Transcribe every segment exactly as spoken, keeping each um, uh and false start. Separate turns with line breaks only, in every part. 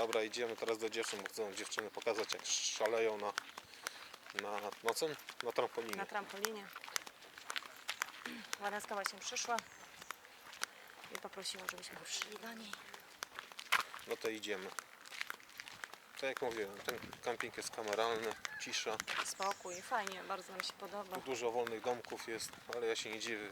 Dobra, idziemy teraz do dziewczyn, bo chcą dziewczyny pokazać, jak szaleją na, na, na co? Na trampolinie.
Na trampolinie. Waneska właśnie przyszła i poprosiła, żebyśmy przyszli do niej.
No to idziemy. Tak jak mówiłem, ten camping jest kameralny, cisza.
Spokój, fajnie, bardzo nam się podoba.
Tu dużo wolnych domków jest, ale ja się nie dziwię.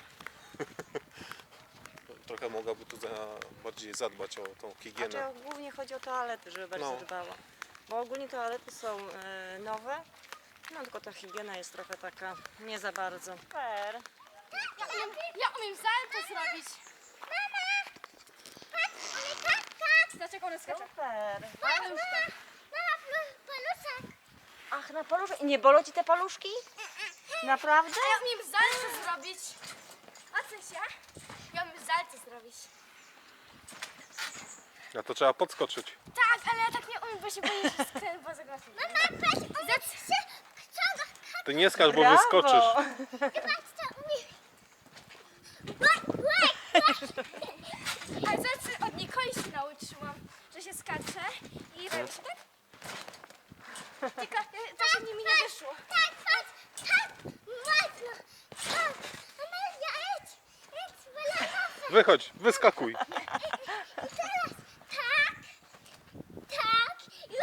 Trochę mogłaby tu za, bardziej zadbać o tą higienę.
Znaczy głównie chodzi o toalety, żeby bardziej
No.
dbała. Bo ogólnie toalety są e, nowe, no tylko ta higiena jest trochę taka nie za bardzo. Super.
Ja umiem, ja umiem salto zrobić. Mama! Patrz, ale tak, tak. Dlaczego one skaczą?
Super.
Paluszka. Mama, paluszek.
Ach, na paluszki. Nie bolą ci te paluszki? Naprawdę?
A ja umiem salto zrobić. A coś ja? Ja umiem salto zrobić.
A to trzeba podskoczyć.
Tak, ale ja tak nie umiem, bo się boję, że skręcę poza głowę. Mama, patrz, umiem się.
Ty nie skacz, bo
Brawo.
wyskoczysz.
Patrz, co umiem. Ale zawsze od Nikoli się nauczyłam, że się skacze i robi się tak. Tylko e, to się mi nie wyszło. Tak, patrz, tak, mocno. Tak, Amelia, idź, idź, wylanowy.
Wychodź, wyskakuj.
I teraz tak, tak,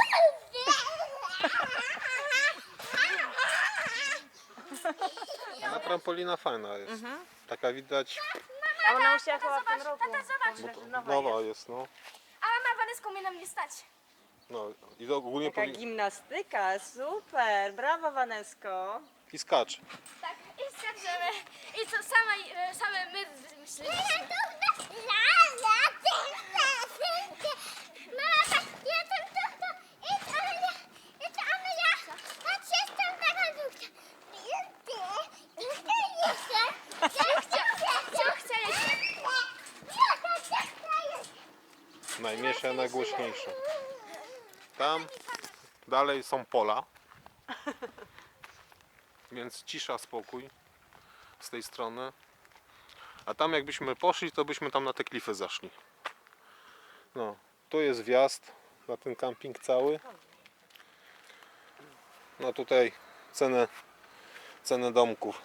A trampolina fajna jest.
Mhm.
Taka widać,
A ona musiała chyba w
zobacz,
tym roku.
tata, zobacz.
Bo to nowa
nowa
jest.
jest, no.
A mama Waneska umie na mnie stać.
No i to ogólnie
Taka
powinien...
gimnastyka, super. Brawo, Wanesko.
I skacz.
Tak, i skaczemy. I co sama, e, same my myśleliśmy.
Najmniejsze, najgłośniejsze. Tam dalej są pola. Więc cisza, spokój z tej strony. A tam jakbyśmy poszli, to byśmy tam na te klify zaszli. No, tu jest wjazd na ten camping cały. No tutaj cenę, cenę domków.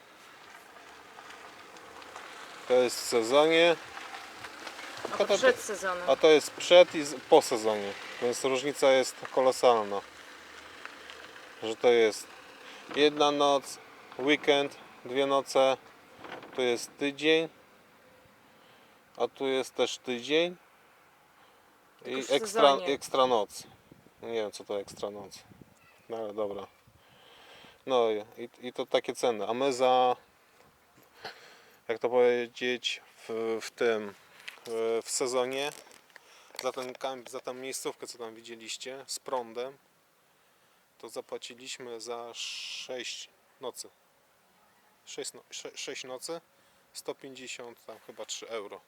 To jest w sezonie,
A to przed sezonem.
a to jest przed i z- po sezonie. Więc różnica jest kolosalna. Że to jest jedna noc, weekend, dwie noce, tu jest tydzień, a tu jest też tydzień
Tylko
i
w
ekstra,
sezonie.
ekstra noc. Nie wiem co to ekstra noc, no ale dobra. No i, i to takie ceny, a my za, jak to powiedzieć, w, w tym, w, w sezonie, za ten kamp, za tę miejscówkę co tam widzieliście, z prądem, to zapłaciliśmy za sześć nocy. sześć, no, sześć nocy, sto pięćdziesiąt tam chyba trzy euro.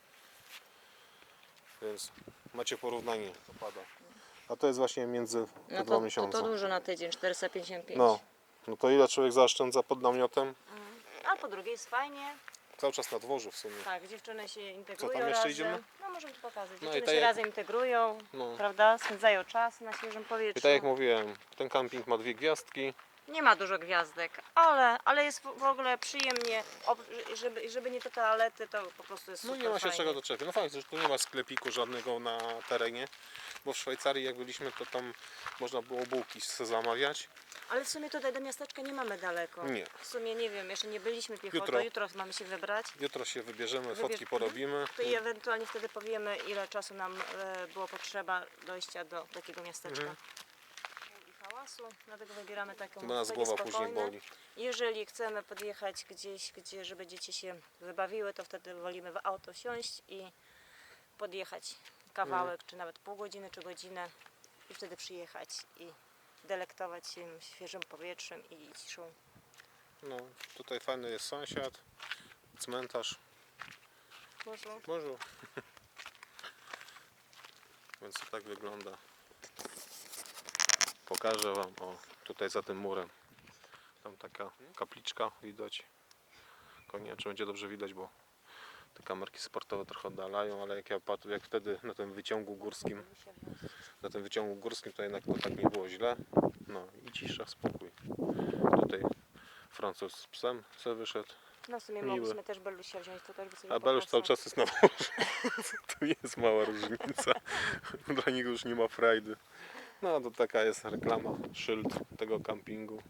Więc macie porównanie, to pada. A to jest właśnie między te
No
dwa
to, to,
miesiące.
to dużo na tydzień, czterysta pięćdziesiąt pięć.
No, no to ile człowiek zaoszczędza pod namiotem?
A po drugie jest fajnie.
Cały czas na dworzu w sumie.
Tak, dziewczyny się integrują
tam jeszcze
razem.
idziemy?
No możemy to pokazać.
No i
Dziewczyny
tak
się
jak-
razem integrują,
No.
prawda? Spędzają czas na świeżym powietrzu.
I tak jak mówiłem, ten camping ma dwie gwiazdki.
Nie ma dużo gwiazdek, ale, ale jest w w ogóle przyjemnie, Ob- żeby, żeby nie te toalety, to po prostu jest
No
super
nie ma się
fajnie.
czego doczepić. No fakt, że tu nie ma sklepiku żadnego na terenie. Bo w Szwajcarii jak byliśmy, to tam można było bułki se zamawiać.
Ale w sumie tutaj do miasteczka nie mamy daleko.
Nie.
W sumie nie wiem, jeszcze nie byliśmy piechotą,
Jutro.
jutro, mamy się wybrać.
Jutro się wybierzemy,
Wybierz-
fotki porobimy.
To i ewentualnie wtedy powiemy, ile czasu nam e, było potrzeba dojścia do takiego miasteczka.
Mhm.
I hałasu, dlatego wybieramy taką
Bo nas
takie
głowa później
spokojne.
boli.
Jeżeli chcemy podjechać gdzieś, gdzie, żeby dzieci się wybawiły, to wtedy wolimy w auto wsiąść i podjechać kawałek,
Mhm.
czy nawet pół godziny, czy godzinę i wtedy przyjechać i delektować się świeżym powietrzem i ciszą.
No, tutaj fajny jest sąsiad, cmentarz.
Może
Może. Więc to tak wygląda. Pokażę wam, o, tutaj za tym murem. Tam taka kapliczka widać. Tylko nie wiem, czy będzie dobrze widać, bo te kamerki sportowe trochę oddalają, ale jak ja patrzę, jak wtedy na tym wyciągu górskim na tym wyciągu górskim to jednak to tak nie było źle. No i cisza, spokój. Tutaj Francuz z psem sobie wyszedł.
No w sumie
Miły.
mogliśmy też Belusia wziąć, to też by sobie
A Belusz
popasał.
cały czas jest na dworze. To jest mała różnica. Dla niego już nie ma frajdy. No to taka jest reklama, szyld tego kampingu.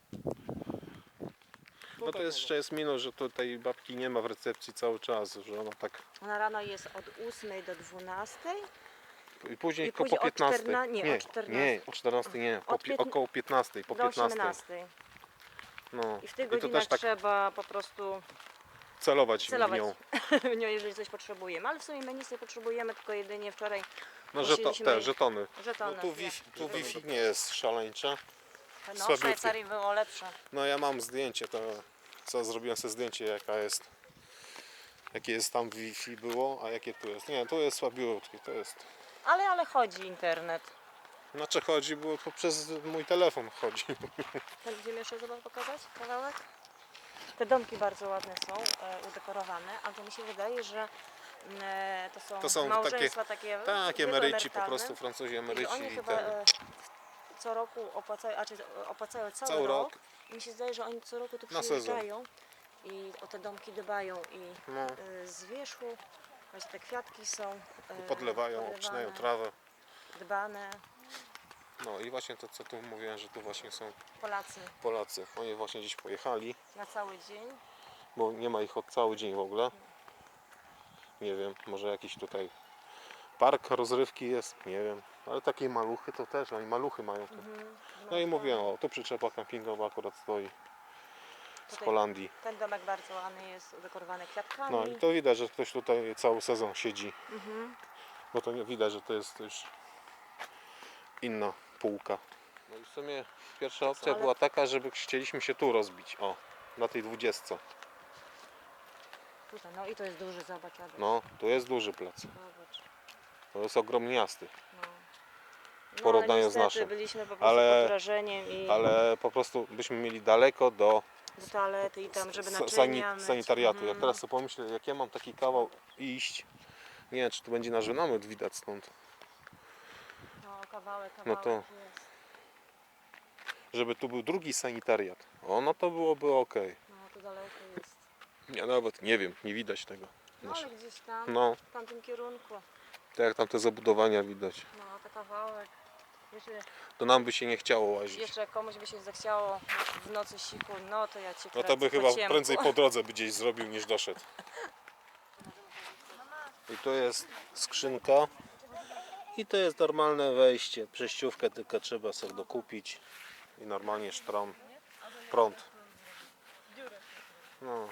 No to jeszcze jest minus, że tutaj babki nie ma w recepcji cały czas, że ona tak...
Na rano jest od ósmej do dwunastej.
I później
I
ko-
później
po
od
piętnastej.
czterna- nie,
nie,
o czternastej.
nie, o czternastej nie, po
Od
pi-
piętna-
około piętnastej, po
Do
piętnastej.
osiemnastej.
No.
I w tych
I to
godzinach
też tak
trzeba po prostu
celować,
celować
w nią.
w nią, jeżeli coś potrzebujemy. Ale w sumie my nic nie potrzebujemy, tylko jedynie wczoraj
No żeto,
musieliśmy-
te żetony.
żetony.
No tu Wi-Fi, tu Wi-Fi nie jest szaleńcze.
No w
słabiutkie.
Szwajcarii było lepsze.
No ja mam zdjęcie, to co zrobiłem sobie zdjęcie jaka jest, jakie jest tam Wi-Fi było, a jakie tu jest. Nie, tu jest słabiutkie, to jest.
Ale, ale chodzi internet.
Znaczy chodzi, bo to przez mój telefon chodzi.
Będziemy jeszcze zobacz pokazać kawałek? Te domki bardzo ładne są, e, udekorowane, ale to mi się wydaje, że mm, e, to są,
To są
małżeństwa takie,
Tak,
wieku
emeryci po
emerytalne.
prostu, Francuzi
I
emeryci.
że oni
i
chyba
ten.
e, co roku opłacają, a czy opłacają cały,
Cały
rok.
rok.
I mi się zdaje, że oni co roku tu
Na sezon.
przyjeżdżają i o te domki dbają i
No,
e, z wierzchu właśnie te kwiatki są e,
podlewają, obcinają
podlewane,
trawę.
dbane.
No i właśnie to co tu mówiłem, że tu właśnie są
Polacy
Polacy. Oni właśnie gdzieś pojechali,
na cały dzień.
bo nie ma ich od cały dzień w ogóle. Nie wiem, może jakiś tutaj park rozrywki jest, nie wiem. Ale takie maluchy to też, oni maluchy mają tu.
Mhm.
No i mówiłem, o tu przyczepa kampingowa akurat stoi z
Tutaj
Holandii.
Ten domek bardzo ładny jest, udekorowany kwiatkami.
No i to widać, że ktoś tutaj cały sezon siedzi.
Mhm.
Bo to nie widać, że to jest już inna półka. No i w sumie pierwsza opcja
Ale-
była taka, żeby chcieliśmy się tu rozbić. O, na tej dwudziestce.
Tutaj, no i to jest duży, zobacz, Adaś.
No, tu jest duży plac.
Zobacz.
To jest ogromniasty.
No. No,
Porównaniu
ale
z
niestety
naszym.
byliśmy po prostu
Ale-
pod wrażeniem i
Ale po prostu byśmy mieli daleko do
do toalety i tam, żeby
sa-
naczynia
sani-
myć.
sanitariatu. Jak
Mhm.
teraz sobie pomyślę, jak ja mam taki kawał iść, nie wiem, czy to będzie nasz namiot widać stąd,
No, kawałek,
No
kawałek
to-
jest.
żeby tu był drugi sanitariat. O, no to byłoby ok.
No, tu daleko jest.
Ja nawet nie wiem, nie widać tego.
No, ale gdzieś tam,
No,
w tamtym kierunku.
tak jak tam te zabudowania widać.
No, to kawałek. Jeszcze,
To nam by się nie chciało łazić.
jeszcze jak komuś by się zachciało w nocy siku, no to ja cię
No to
kręcę
by
po
chyba
ciemku.
prędzej po drodze by gdzieś zrobił niż doszedł. I tu jest skrzynka. I to jest normalne wejście. Przejściówkę tylko trzeba sobie dokupić. I normalnie sztron. Prąd. No.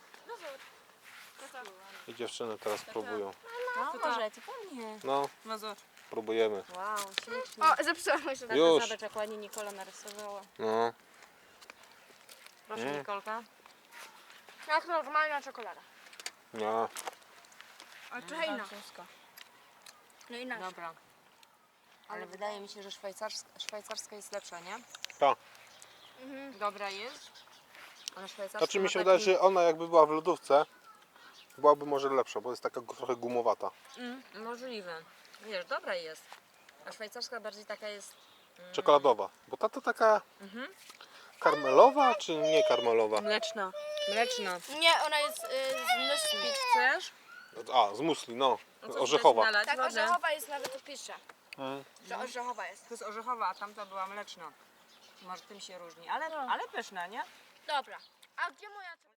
I dziewczyny teraz próbują.
No, możecie po mnie.
No, próbujemy.
Wow, ślicznie.
O, zepsułam się.
Tata,
Już.
zobacz, jak ładnie Nikola narysowała.
No.
Proszę,
Mm.
Nikolka.
Jak normalna czekolada.
No.
A trochę inna.
Francuska.
No inaczej.
Dobra. Ale wydaje mi się, że szwajcarska, szwajcarska jest lepsza, nie?
Tak.
Mhm.
Dobra jest. Ale szwajcarska
Znaczy mi
ma
się
taki...
wydaje, że ona jakby była w lodówce, byłaby może lepsza, bo jest taka gu- trochę gumowata.
Mm, możliwe. Wiesz, dobra jest. A szwajcarska bardziej taka jest...
Czekoladowa. Bo ta to taka
Mhm.
karmelowa, czy nie karmelowa?
Mleczna. Mleczna.
Nie, ona jest y, z myśli.
Chcesz?
A, z musli, no.
No to
Orzechowa.
chcesz nalać
Tak,
wodę?
orzechowa jest nawet opisze.
Mm.
Że orzechowa jest.
To jest orzechowa, a tamta była mleczna. Może tym się różni, ale, ale pyszna, nie?
Dobra. A gdzie moja czekolada?